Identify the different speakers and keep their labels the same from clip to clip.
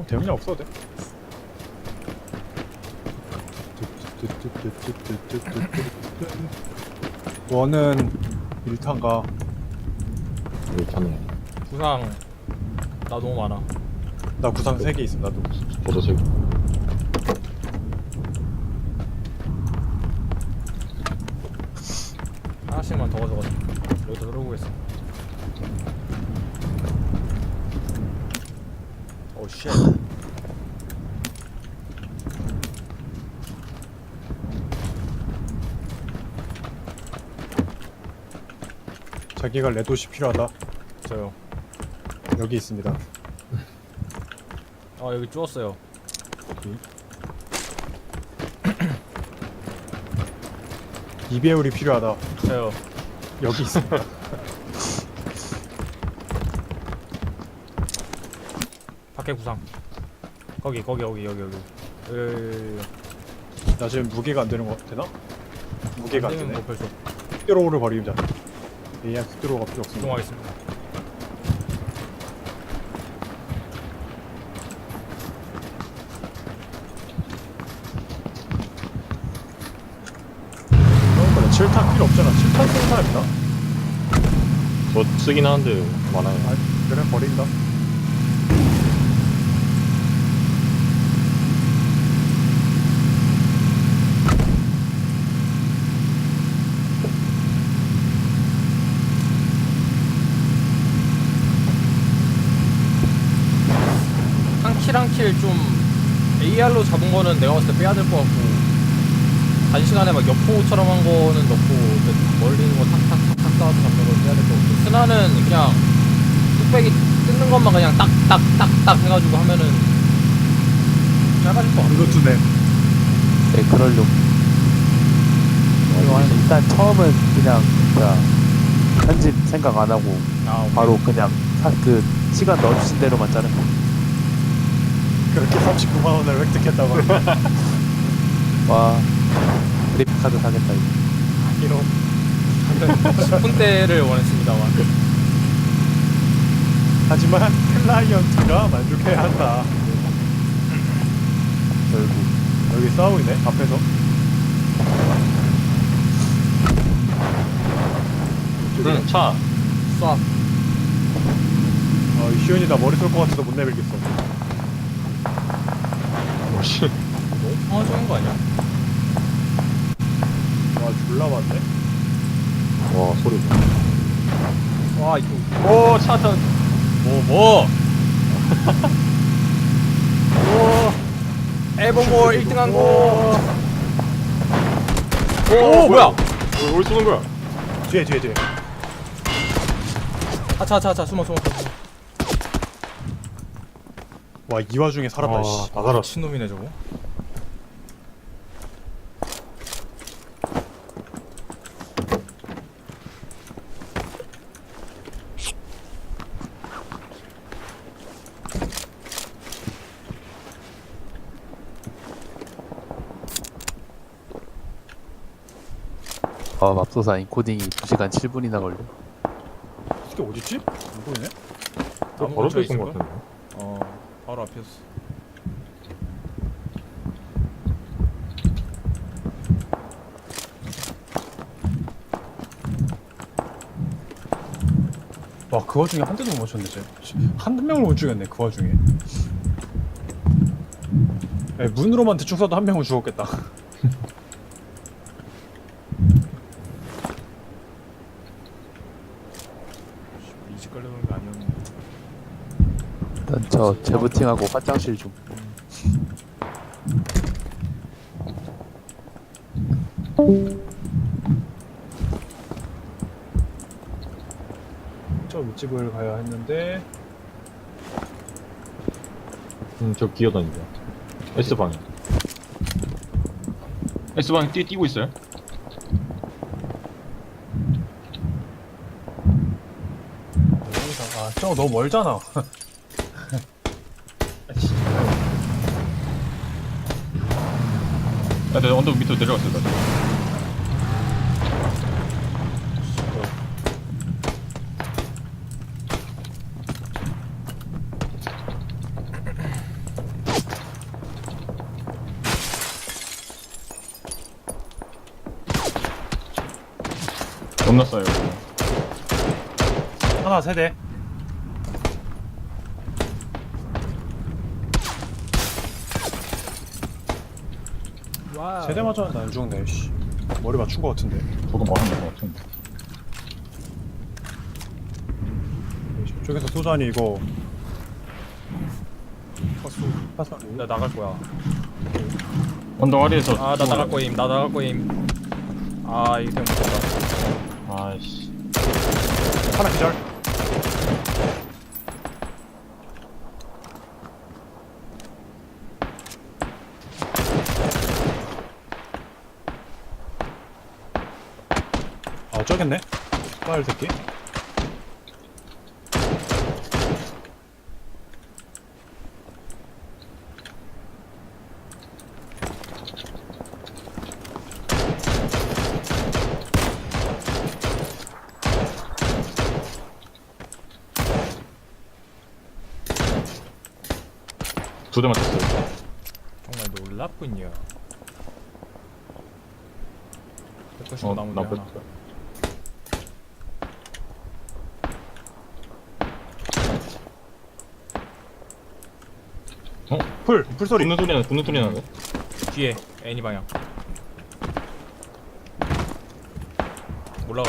Speaker 1: 대용량 없어도 돼. 원은 1탄가.
Speaker 2: 여기 타네.
Speaker 3: 구상 나 너무 많아.
Speaker 1: 나 구상 3개 있음 나도.
Speaker 2: 저도 세 개.
Speaker 3: 하나씩만 더 가져가자. 여기다 들어보겠어. 오 쉣.
Speaker 1: 자기가 레도시 필요하다.
Speaker 3: 저요.
Speaker 1: 여기 있습니다.
Speaker 3: 아 여기 주웠어요.
Speaker 1: 2배율이 필요하다.
Speaker 3: 저요.
Speaker 1: 여기 있습니다.
Speaker 3: 밖에 구상. 거기.
Speaker 1: 나 지금 무게가 안 되는 거 되나? 무게가 안
Speaker 3: 되면
Speaker 1: 되네.
Speaker 3: 뭐 별수
Speaker 1: 흑도로를 버리자. AR 흑도로가 필요 없습니다.
Speaker 3: 이동하겠습니다.
Speaker 1: 그런 거래. 7탄 필요 없잖아. 7탄 쓰는 사람 있나?
Speaker 2: 저 쓰긴 하는데 많아요.
Speaker 1: 아, 그래 버린다.
Speaker 3: 한 킬 좀 AR로 잡은 거는 내가 봤을 때 빼야 될 것 같고 단시간에 막 여포처럼 한 거는 넣고 멀리 있는 거 탁탁탁탁 쏴서 잡는 걸 빼야 될 것 같고 스나는 그냥 뚝배기 뜯는 것만 그냥 딱딱딱딱 해가지고 하면은 짧아질 것 같아.
Speaker 1: 그것도네.
Speaker 4: 네, 그러려고. 일단 처음은 그냥 진짜 편집 생각 안 하고
Speaker 3: 아,
Speaker 4: 바로 그냥 그 시간 넣어주신 대로만 자른 거.
Speaker 1: 그렇게 39만 원을 획득했다고.
Speaker 4: 와, 그래픽 카드 사겠다 이거.
Speaker 1: 이런.
Speaker 3: 10분대를 원했습니다만.
Speaker 1: 하지만 클라이언트가 만족해야 한다.
Speaker 4: 결국
Speaker 1: 여기 싸우고 있네 앞에서.
Speaker 2: 응, 차.
Speaker 3: 쏴.
Speaker 1: 이 시온이 나 머리 쏠 것 같아서 못 내밀겠어.
Speaker 2: 오씨.
Speaker 3: 너무 평화적인 거 아니야?
Speaker 1: 와 졸라 많네.
Speaker 2: 와, 소리.
Speaker 3: 와 이거
Speaker 2: 오, 차 타.
Speaker 3: 뭐 에버몰 1등한 거. 오 뭐야?
Speaker 2: 뭘 쏘는 거야?
Speaker 1: 뒤에.
Speaker 3: 차 숨어.
Speaker 1: 와 이 와중에 살았다. 씨.
Speaker 2: 다 살았어.
Speaker 3: 미친놈이네 저거.
Speaker 4: 맙소사 인코딩이 2시간 7분이나 걸려.
Speaker 1: 이게 어딨지? 안 보이네?
Speaker 3: 나무
Speaker 2: 바로
Speaker 3: 근처에
Speaker 2: 서 있은 것
Speaker 3: 있을걸?
Speaker 2: 같은데.
Speaker 3: 바로 앞이었어.
Speaker 1: 와 그 와중에 한 대도 못 맞췄네 쟤. 한 명을 못 죽였네 그 와중에. 야, 문으로만 대충 쏴도 한 명은 죽었겠다.
Speaker 3: 이직 걸려는 게 아니었는데.
Speaker 4: 일단 저 재부팅하고 화장실 좀.
Speaker 1: 저 윗집을 가야 했는데.
Speaker 2: 저 기어다닌다. S방향. S방향 뛰고 있어요?
Speaker 1: 저거 너무 멀잖아.
Speaker 2: 내가 언덕 밑으로 내려갔어, 나. 존나 싸요.
Speaker 1: 하나 세대.
Speaker 3: 와우.
Speaker 1: 세대 맞았는데 안 죽네. 씨. 머리 맞춘 거 같은데.
Speaker 2: 저도 맞은 것 같은데.
Speaker 1: 저쪽에서 쏘자니 이거. 파스.
Speaker 3: 나 나갈 거야.
Speaker 2: 언덕 아래에서.
Speaker 3: 아, 나 나갈 거임. 나 나갈 거임. 아, 이거 때문에 못했다.
Speaker 2: 아이씨.
Speaker 1: 하나 기절. 아 어쩌겠네. 빨 새끼.
Speaker 2: 두 대 맞췄어요.
Speaker 3: 정말 놀랍군요. 195 나무들
Speaker 2: 나쁘.
Speaker 3: 하나.
Speaker 1: 풀 소리.
Speaker 2: 붙는 소리 나네.
Speaker 3: 뒤에 애니 방향. 올라가.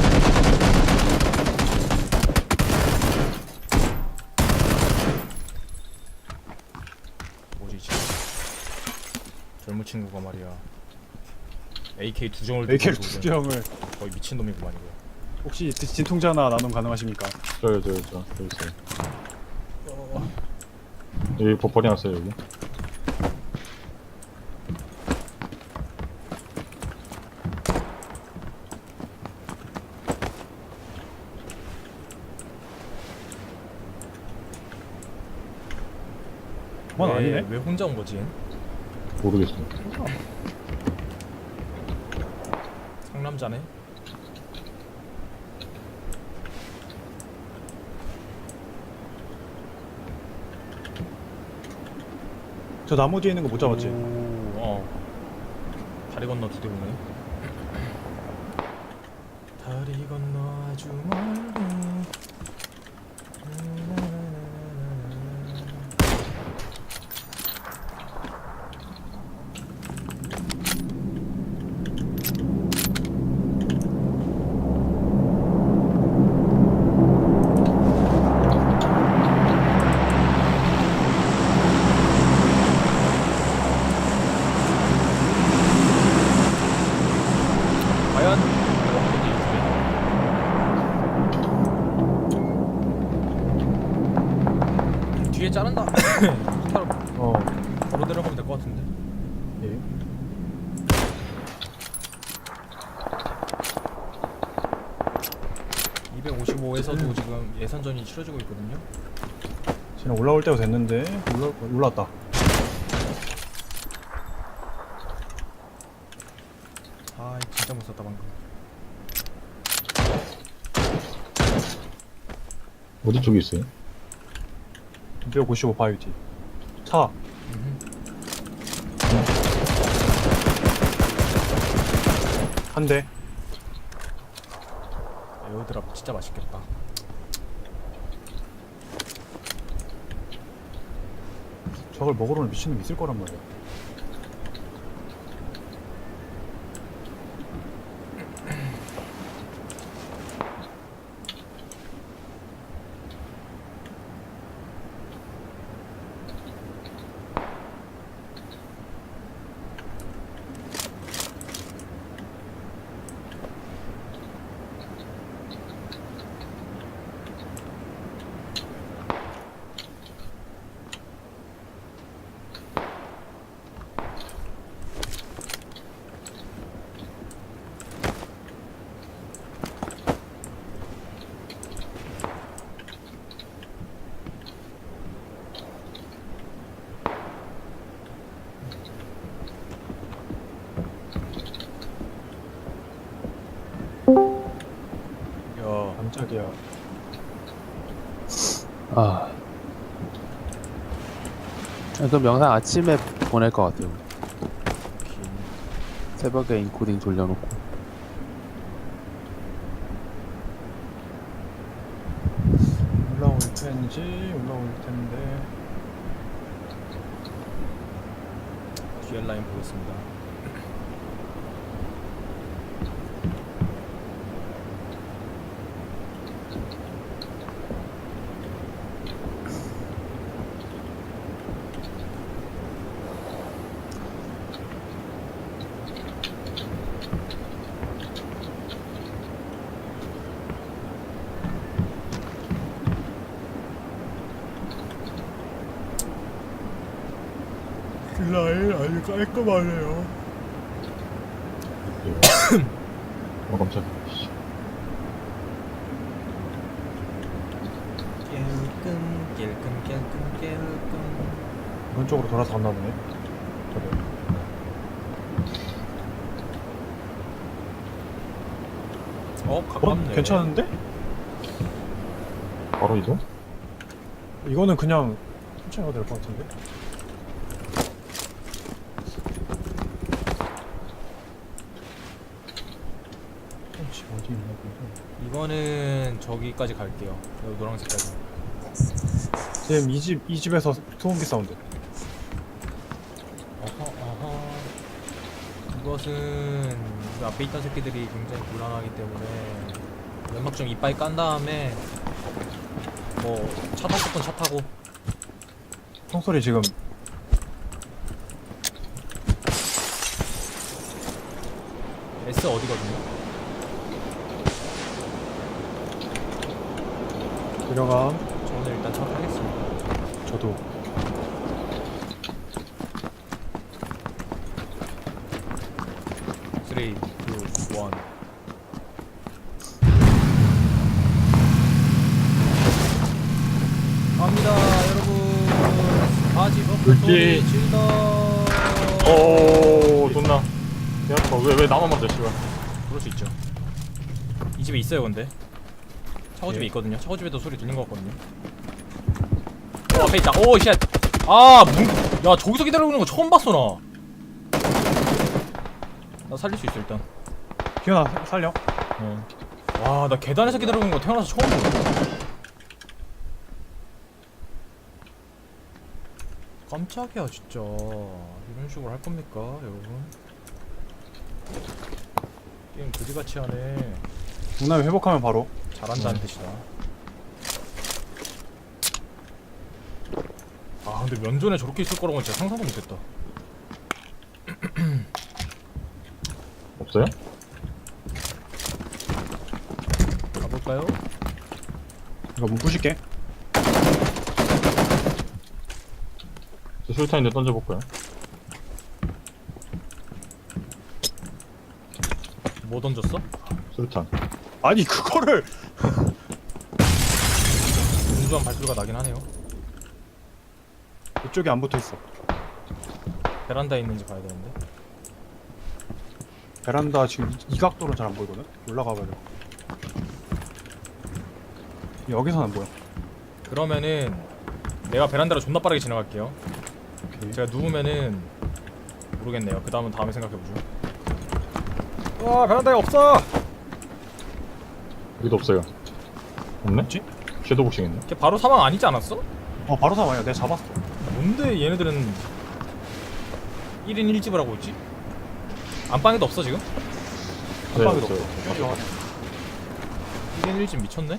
Speaker 3: 뭐지 지금? 젊은 친구가 말이야. AK 두 정을
Speaker 1: AK를
Speaker 3: 들고
Speaker 1: 두
Speaker 3: 오는
Speaker 1: 병을.
Speaker 3: 거의 미친 놈이구만 이거.
Speaker 1: 혹시 진통제 하나 나눔 가능하십니까?
Speaker 2: 저기 있어요. 여기 버퍼리 났어요 여기.
Speaker 1: 그건 아니네.
Speaker 3: 왜 혼자 온 거지?
Speaker 2: 모르겠어요.
Speaker 3: 상남자네.
Speaker 1: 저 나무 뒤에 있는 거 못 잡았지?
Speaker 3: 오, 다리 건너 두 대 오네. 다리 건너 아주 멀리. 과연 뒤에 자른다.
Speaker 1: 어.
Speaker 3: 바로 내려가면 될 것 같은데.
Speaker 1: 예.
Speaker 3: (255에서도) 지금 예선전이 치러지고 있거든요.
Speaker 1: 지금 올라올 때가 됐는데 올라왔다.
Speaker 3: 아 진짜 못 썼다 방금.
Speaker 2: 어디 쪽에 있어요?
Speaker 1: 255 바이오티. 차. 한 대.
Speaker 3: 에어드랍 진짜 맛있겠다.
Speaker 1: 저걸 먹으러는 미친놈 있을 거란 말이야.
Speaker 3: 야
Speaker 1: 깜짝이야.
Speaker 4: 아. 그럼 영상 아침에 보낼 것 같아요. 새벽에 인코딩 돌려놓고.
Speaker 1: 텐지 올라올 텐데.
Speaker 3: 뒤에 라인 보겠습니다.
Speaker 1: 라인 아주 깔끔하네요.
Speaker 2: 깜짝이야. 씨.
Speaker 3: 깰끔.
Speaker 1: 이런 쪽으로 돌아서 갔나 보네. 그래.
Speaker 3: 가깝네.
Speaker 1: 괜찮은데?
Speaker 2: 바로 이동?
Speaker 1: 이거는 그냥 천천히 가도 될 것 같은데? 지금 어디 있나 보네.
Speaker 3: 이거는 저기까지 갈게요. 여기 노란색까지.
Speaker 1: 지금 이 집에서 소음기 사운드.
Speaker 3: 어허. 이것은 그 앞에 있던 새끼들이 굉장히 곤란하기 때문에 연막 좀 이빠이 깐 다음에 뭐 차 타고 싶은 차 타고.
Speaker 1: 총소리 지금
Speaker 3: S 어디거든요?
Speaker 1: 들어감.
Speaker 3: 저는 일단 차 타겠습니다.
Speaker 1: 저도.
Speaker 3: 쓰리, 투, 원. 갑니다, 여러분. 바지 벗고
Speaker 2: 그렇지.
Speaker 3: 소리 질러.
Speaker 2: 오, 존나. 개 아파. 왜 나만 맞아, 씨발.
Speaker 3: 그럴 수 있죠. 이 집에 있어요, 근데. 차고집에
Speaker 1: 예.
Speaker 3: 있거든요. 차고집에도 소리 들린 것 같거든요. 앞에 있다. 오, 쉣. 아, 야, 저기서 기다리고 있는 거 처음 봤어, 나. 나 살릴 수 있어, 일단.
Speaker 1: 기현아 살려.
Speaker 3: 와, 나 계단에서 기다리고 있는 거 태어나서 처음 보네. 깜짝이야, 진짜. 이런 식으로 할 겁니까, 여러분? 게임 그지같이 하네.
Speaker 1: 문화에 회복하면 바로.
Speaker 3: 잘한다는 뜻이다. 아, 근데 면전에 저렇게 있을 거라고는 진짜 상상도 못했다.
Speaker 2: 없어요?
Speaker 3: 가볼까요?
Speaker 1: 이거 문 부실게.
Speaker 2: 저 술탄인데 던져볼까요?
Speaker 3: 뭐 던졌어?
Speaker 2: 술탄.
Speaker 1: 아니 그거를
Speaker 3: 분주한 발소리가 나긴 하네요.
Speaker 1: 이쪽에 안 붙어 있어.
Speaker 3: 베란다에 있는지 봐야 되는데.
Speaker 1: 베란다 지금 이 각도로 잘 안 보이거든. 올라가 봐요. 여기서는 안 보여.
Speaker 3: 그러면은 내가 베란다로 존나 빠르게 지나갈게요.
Speaker 1: 오케이.
Speaker 3: 제가 누우면은 모르겠네요. 그 다음은 다음에 생각해보죠. 와, 베란다에 없어!
Speaker 2: 여기도 없어요. 없네?
Speaker 1: 뭐지?
Speaker 2: 섀도우 복싱 있네.
Speaker 3: 걔 바로 사망 아니지 않았어?
Speaker 1: 바로 사와요. 내가 잡았어.
Speaker 3: 뭔데 얘네들은 1인 1집을 하고 있지? 안방에도 없어 지금?
Speaker 2: 네,
Speaker 1: 깜빡이도
Speaker 2: 없어요.
Speaker 1: 없어.
Speaker 3: 1인 1집 미쳤네?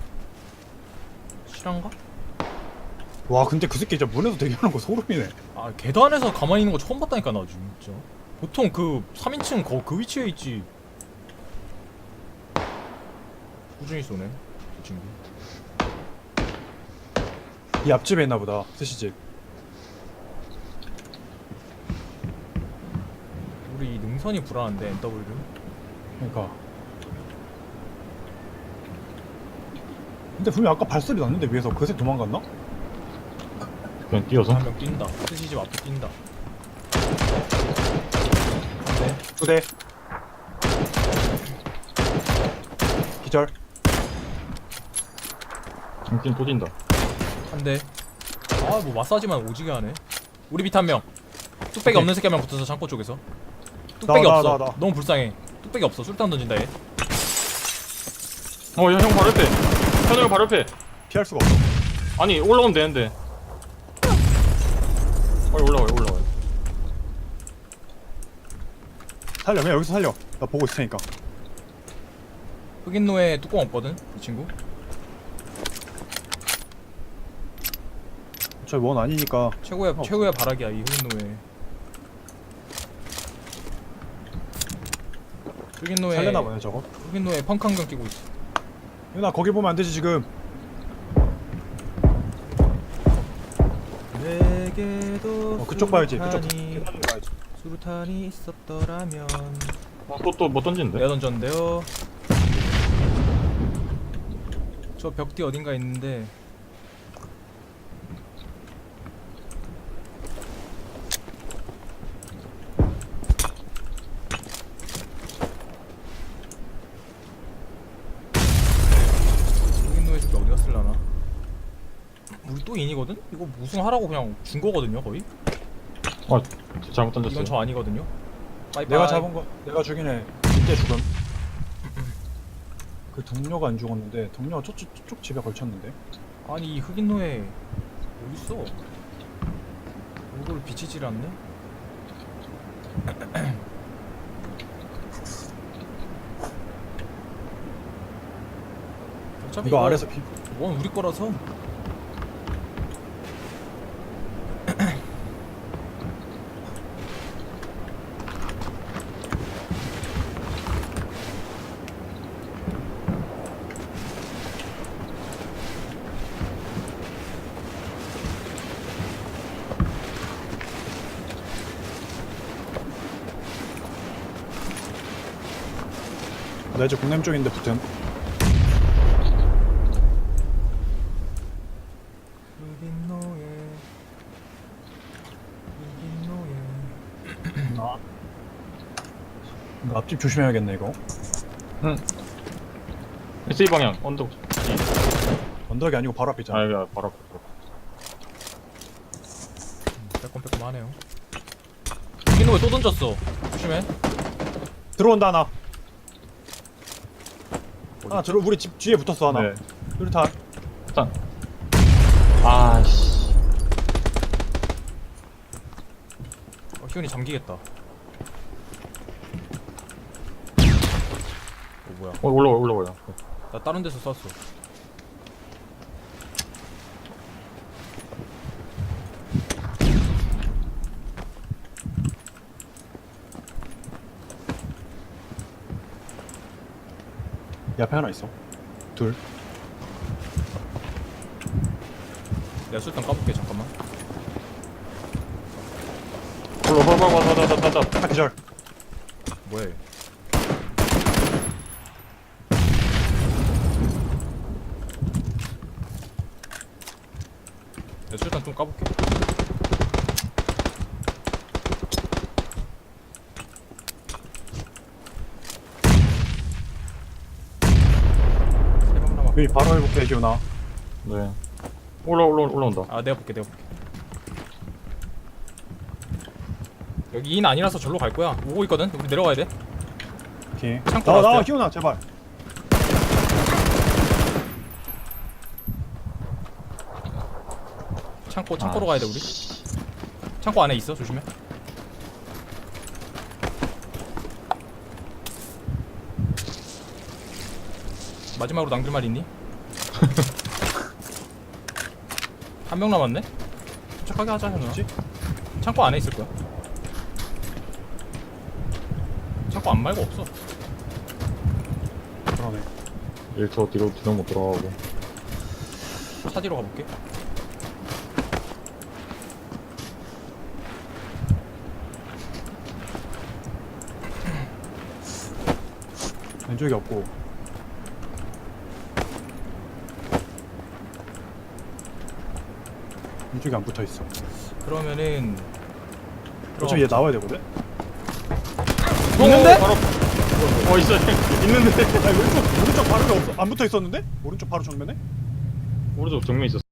Speaker 3: 실한가?
Speaker 1: 와 근데 그 새끼 진짜 문에서 대기하는 거 소름이네.
Speaker 3: 아, 계단에서 가만히 있는 거 처음 봤다니까 나 진짜. 보통 그 3인칭 그 위치에 있지. 꾸준히 쏘네 저 친구.
Speaker 1: 이 앞집에 있나 보다. 스시집.
Speaker 3: 우리 이 능선이 불안한데 NW.
Speaker 1: 그러니까. 근데 분명 아까 발소리 났는데 위에서 그새 도망갔나?
Speaker 2: 그냥 뛰어서.
Speaker 3: 한 명 뛴다. 스시집 앞에 뛴다. 한대.
Speaker 1: 두 대. 기절.
Speaker 2: 한팀 또 뛴다.
Speaker 3: 한대. 아, 뭐 마사지만 오지게 하네. 우리 밑 한 명. 뚝배기
Speaker 1: 오케이.
Speaker 3: 없는 새끼 한 명 붙어서 창고 쪽에서. 뚝배기
Speaker 1: 나,
Speaker 3: 없어.
Speaker 1: 나.
Speaker 3: 너무 불쌍해. 뚝배기 없어. 술탄 던진다 얘.
Speaker 2: 형 바로 옆에. 현우 형 바로 옆에.
Speaker 5: 피할 수가 없어.
Speaker 2: 아니 올라오면 되는데. 빨리 올라와요.
Speaker 5: 살려, 그냥 여기서 살려. 나 보고 있을 테니까.
Speaker 3: 흑인노예 뚜껑 없거든 이 친구.
Speaker 5: 저 원 아니니까.
Speaker 3: 최고의 바락이야 이 흑인노예. 흑인노예
Speaker 5: 살려나 보네 저거.
Speaker 3: 흑인노예 펑크 안경 끼고 있어.
Speaker 5: 유나 거기 보면 안 되지 지금.
Speaker 3: 내게도
Speaker 5: 그쪽 봐야지. 그쪽.
Speaker 3: 수류탄이,
Speaker 5: 계단으로 가야지.
Speaker 3: 수류탄이 있었더라면.
Speaker 2: 또 뭐 던진대?
Speaker 3: 내가 던졌는데요. 저 벽 뒤 어딘가 있는데. 흑인노예 새끼 어디 갔을라나? 우리 또 인이거든? 이거 우승하라고 그냥 준 거거든요 거의?
Speaker 2: 아 잘못 던졌어요.
Speaker 3: 이건 저 아니거든요? 빠이빠이.
Speaker 5: 내가 잡은 거, 내가 죽인 애 이때 죽음. 그 동료가 안 죽었는데 동료가 저쪽 집에 걸쳤는데.
Speaker 3: 아니 이 흑인노예 어딨어? 얼굴을 비치질 않네? 어차피
Speaker 5: 이거 아래서
Speaker 3: 원 우리 거라서.
Speaker 5: 나 이제 공남 쪽인데 붙음.
Speaker 3: 흑인노예
Speaker 5: 이거 앞집 조심해야겠네 이거.
Speaker 2: S 방향 언덕.
Speaker 5: 언덕이 아니고 바로 앞이잖아.
Speaker 2: 아 여기 바로 앞에.
Speaker 3: 빼꼼빼꼼하네요. 흑인노예 또 던졌어. 조심해.
Speaker 5: 들어온다 하나. 하나 들어 우리 집 뒤에 붙었어 하나.
Speaker 2: 네.
Speaker 5: 수류탄.
Speaker 2: 일단. 아씨.
Speaker 3: 희훈이 잠기겠다. 뭐야?
Speaker 2: 올라와요.
Speaker 3: 나 다른 데서 쐈어.
Speaker 5: 옆에 하나 있어. 둘.
Speaker 3: 내가 술탄 까볼게 잠깐만.
Speaker 2: 올라와.
Speaker 5: 하나 기절.
Speaker 3: 뭐해? 내가 술탄 좀 까볼게. 세 명 남았.
Speaker 5: 여기 바로 해볼게 기훈아.
Speaker 2: 네. 올라온다.
Speaker 3: 아 내가 볼게. 여기 인 아니라서 절로 갈 거야. 오고 있거든. 우리 내려가야 돼.
Speaker 5: 오케이.
Speaker 3: 창고
Speaker 5: 나와
Speaker 3: 나왔어요.
Speaker 5: 기훈아 제발.
Speaker 3: 창고로 가야 돼 우리. 창고 안에 있어. 조심해. 마지막으로 남길 말 있니? 한 명 남았네? 도착하게 하자 현우야.
Speaker 5: 뭐지?
Speaker 3: 창고 안에 있을 거야. 창고 안 말고 없어.
Speaker 5: 그러네.
Speaker 2: 1초 뒤로 못 돌아가고.
Speaker 3: 차 뒤로 가볼게.
Speaker 5: 왼쪽이 없고. 왼쪽이 안 붙어 있어.
Speaker 3: 그러면은
Speaker 5: 어차피 얘 나와야 되거든.
Speaker 3: 있는데?
Speaker 2: 바로. 있어. 있는데.
Speaker 5: 아 왼쪽 바로 없어. 안 붙어 있었는데? 오른쪽 바로 정면에?
Speaker 2: 오른쪽 정면 있었어.